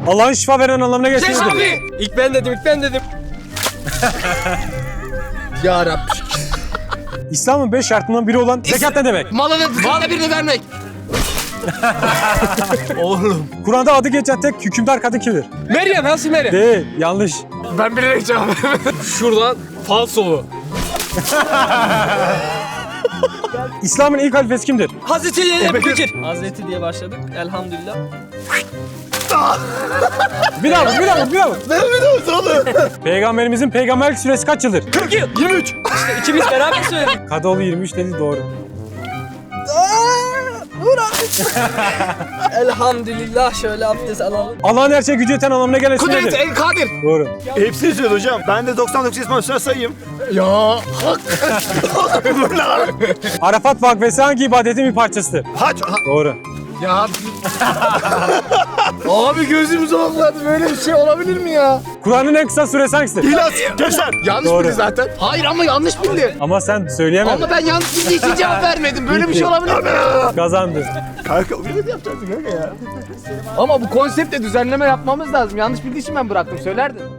Allah'ın şifa veren anlamına Geç gelsin. abi. İlk ben dedim. Ya Rabbi. İslam'ın 5 şartından biri olan zekat ne demek? Malına birini vermek. Oğlum. Kur'an'da adı geçen tek hükümdar kadın kimdir? Meryem, Hazreti Meryem. Değil, yanlış. Ben bilerek cevap vermedim. Şuradan falsolu. İslam'ın ilk halifesi kimdir? Hazreti Bekir. Hazreti diye başladık. Elhamdülillah. Bir daha vur. Ne biliyorsun oğlum? Peygamberimizin peygamberlik süresi kaç yıldır? 40 yıl. 23. İşte ikimiz beraber söyledik. Kadıoğlu 23 dedi, doğru. Elhamdülillah, şöyle abdest alalım. Allah'ın her şeye gücü yeten anlamına gelen isim Kudret nedir? El Kadir. Doğru. Hepsini söyle hocam. Ben de 99 ismi üstüne sayayım. Ya hak. Arafat vakfesi hangi ibadetin bir parçasıdır? Hac. Doğru. Ya abi gözümüz okladı. Böyle bir şey olabilir mi ya? Kur'an'ın en kısa suresi hangisidir? İlas. Kevser. Yanlış Doğru. bildi zaten. Hayır ama yanlış bildi. Ama sen söyleyemedin. Ama ben yanlış bildiği için cevap vermedim. Böyle bir şey olabilir mi? Kazandın. Kanka öyle de yapacaktın kanka ya. Ama bu konseptle düzenleme yapmamız lazım. Yanlış bildiği için ben bıraktım. Söylerdin.